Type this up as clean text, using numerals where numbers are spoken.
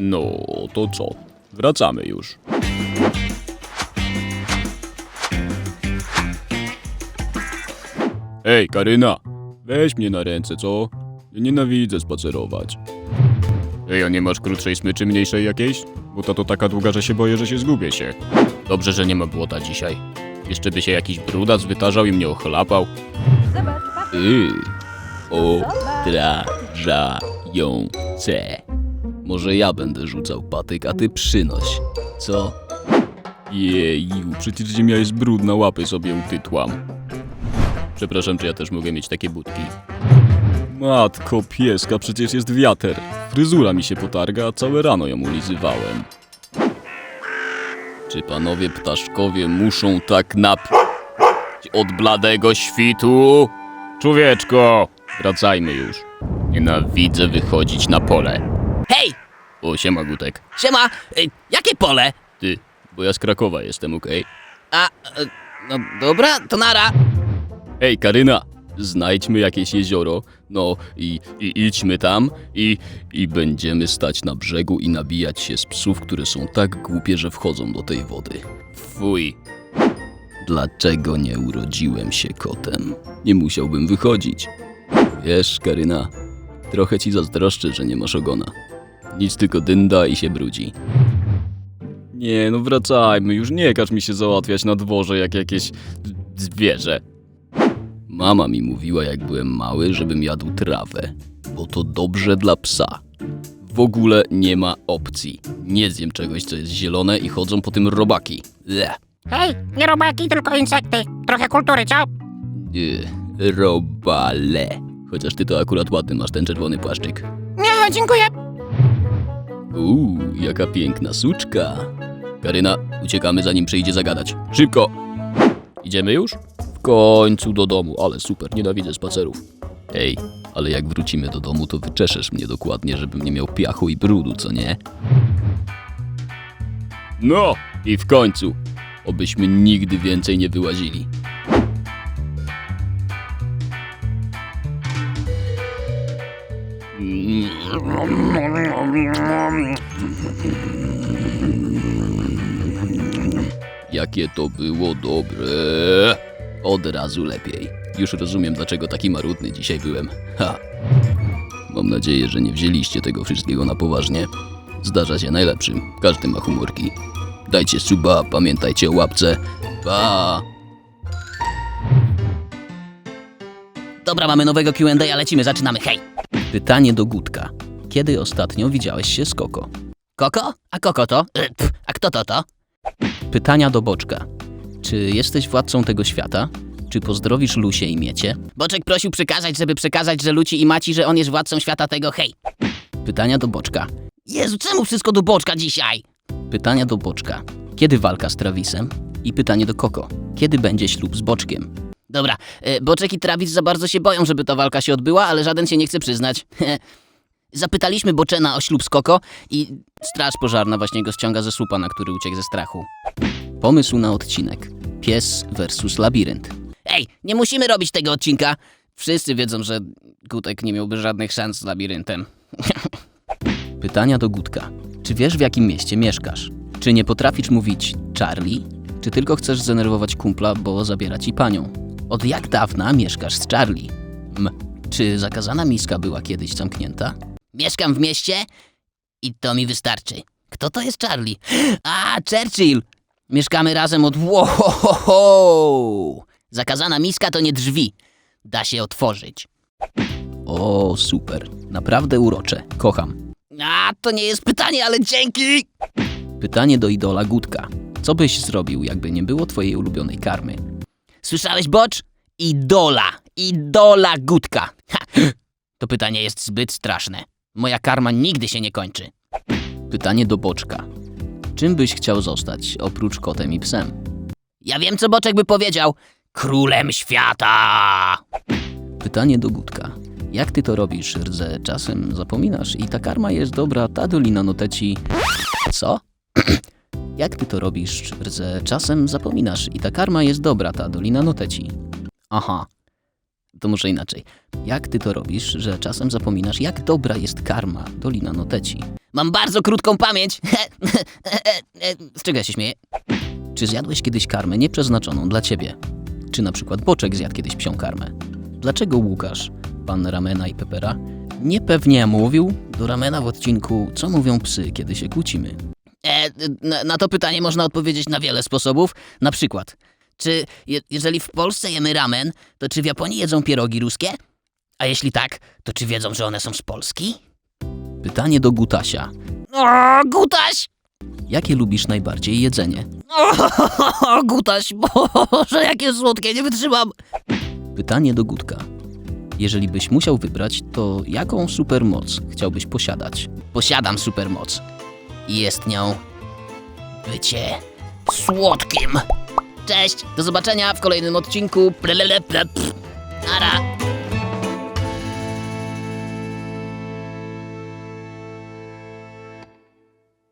No, to co? Wracamy już. Ej, Karyna, weź mnie na ręce, co? Ja nienawidzę spacerować. Ej, a nie masz krótszej smyczy, mniejszej jakiejś? Bo ta to taka długa, że się boję, że się zgubię się. Dobrze, że nie ma błota dzisiaj. Jeszcze by się jakiś brudac wytarzał i mnie ochlapał. Zobacz, patrz. Odrażające. Może ja będę rzucał patyk, a ty przynoś. Co? Jeju, przecież ziemia jest brudna, łapy sobie utytłam. Przepraszam, czy ja też mogę mieć takie budki? Matko pieska, przecież jest wiater. Fryzura mi się potarga, a całe rano ją ulizywałem. Czy panowie ptaszkowie muszą tak napić od bladego świtu? Człowieczko, wracajmy już. Nienawidzę wychodzić na pole. Hej! O, siema Gutek. Siema! Jakie pole? Ty, bo ja z Krakowa jestem, okej? No dobra, to nara. Ej, Karyna, znajdźmy jakieś jezioro, no i idźmy tam i będziemy stać na brzegu i nabijać się z psów, które są tak głupie, że wchodzą do tej wody. Fuj. Dlaczego nie urodziłem się kotem? Nie musiałbym wychodzić. Wiesz, Karyna, trochę ci zazdroszczę, że nie masz ogona. Nic tylko dynda i się brudzi. Nie, no wracajmy, już nie każ mi się załatwiać na dworze jak jakieś zwierzę. Mama mi mówiła, jak byłem mały, żebym jadł trawę, bo to dobrze dla psa. W ogóle nie ma opcji. Nie zjem czegoś, co jest zielone i chodzą po tym robaki. Bleh. Hej, nie robaki, tylko insekty. Trochę kultury, co? Robale. Chociaż ty to akurat ładny masz ten czerwony płaszczyk. Nie, dziękuję. Jaka piękna suczka. Karyna, uciekamy zanim przyjdzie zagadać. Szybko! Idziemy już? W końcu do domu, ale super, nienawidzę spacerów. Ej, ale jak wrócimy do domu, to wyczeszesz mnie dokładnie, żebym nie miał piachu i brudu, co nie? No i w końcu, obyśmy nigdy więcej nie wyłazili. Jakie to było dobre. Od razu lepiej. Już rozumiem, dlaczego taki marudny dzisiaj byłem. Ha. Mam nadzieję, że nie wzięliście tego wszystkiego na poważnie. Zdarza się najlepszym. Każdy ma humorki. Dajcie suba, pamiętajcie o łapce. Pa! Dobra, mamy nowego Q&A, lecimy, zaczynamy, hej! Pytanie do Gutka. Kiedy ostatnio widziałeś się z Koko? Koko? A Koko to? A kto to? Pytania do Boczka. Czy jesteś władcą tego świata? Czy pozdrowisz Lusię i Miecie? Boczek prosił przekazać, żeby przekazać, że Luci i Maci, że on jest władcą świata tego, hej! Pytania do Boczka. Jezu, czemu wszystko do Boczka dzisiaj? Pytania do Boczka. Kiedy walka z Travisem? I pytanie do Koko. Kiedy będzie ślub z Boczkiem? Dobra, Boczek i Travis za bardzo się boją, żeby ta walka się odbyła, ale żaden się nie chce przyznać. Zapytaliśmy Boczena o ślub z Koko i straż pożarna właśnie go ściąga ze słupa, na który uciekł ze strachu. Pomysł na odcinek. Pies versus labirynt. Ej, nie musimy robić tego odcinka. Wszyscy wiedzą, że Gutek nie miałby żadnych szans z labiryntem. Pytania do Gutka. Czy wiesz, w jakim mieście mieszkasz? Czy nie potrafisz mówić Charlie? Czy tylko chcesz zdenerwować kumpla, bo zabiera ci panią? Od jak dawna mieszkasz z Charlie? Czy zakazana miska była kiedyś zamknięta? Mieszkam w mieście i to mi wystarczy. Kto to jest Charlie? A, Churchill! Mieszkamy razem od... Wow! Zakazana miska to nie drzwi. Da się otworzyć. O, super. Naprawdę urocze. Kocham. A, to nie jest pytanie, ale dzięki! Pytanie do idola Gutka. Co byś zrobił, jakby nie było twojej ulubionej karmy? Słyszałeś, Bocz? Idola Gutka. Ha. To pytanie jest zbyt straszne. Moja karma nigdy się nie kończy. Pytanie do Boczka. Czym byś chciał zostać, oprócz kotem i psem? Ja wiem, co Boczek by powiedział. Królem świata! Pytanie do Gutka. Jak ty to robisz, rdze? Czasem zapominasz i ta karma jest dobra, ta dolina noteci... Co? Jak ty to robisz, rdze? Czasem zapominasz i ta karma jest dobra, ta dolina noteci. Aha. To może inaczej. Jak ty to robisz, że czasem zapominasz, jak dobra jest karma, dolina noteci? Mam bardzo krótką pamięć. Z czego ja się śmieję? Czy zjadłeś kiedyś karmę nieprzeznaczoną dla ciebie? Czy na przykład Boczek zjadł kiedyś psią karmę? Dlaczego Łukasz, pan Ramena i Pepera, niepewnie mówił do Ramena w odcinku Co mówią psy, kiedy się kłócimy? Na to pytanie można odpowiedzieć na wiele sposobów. Na przykład, czy jeżeli w Polsce jemy ramen, to czy w Japonii jedzą pierogi ruskie? A jeśli tak, to czy wiedzą, że one są z Polski? Pytanie do Gutasia. O, Gutaś! Jakie lubisz najbardziej jedzenie? O, Gutaś, Boże, jakie słodkie, nie wytrzymam! Pytanie do Gutka. Jeżeli byś musiał wybrać, to jaką supermoc chciałbyś posiadać? Posiadam supermoc. I jest nią bycie słodkim. Cześć, do zobaczenia w kolejnym odcinku. Nara.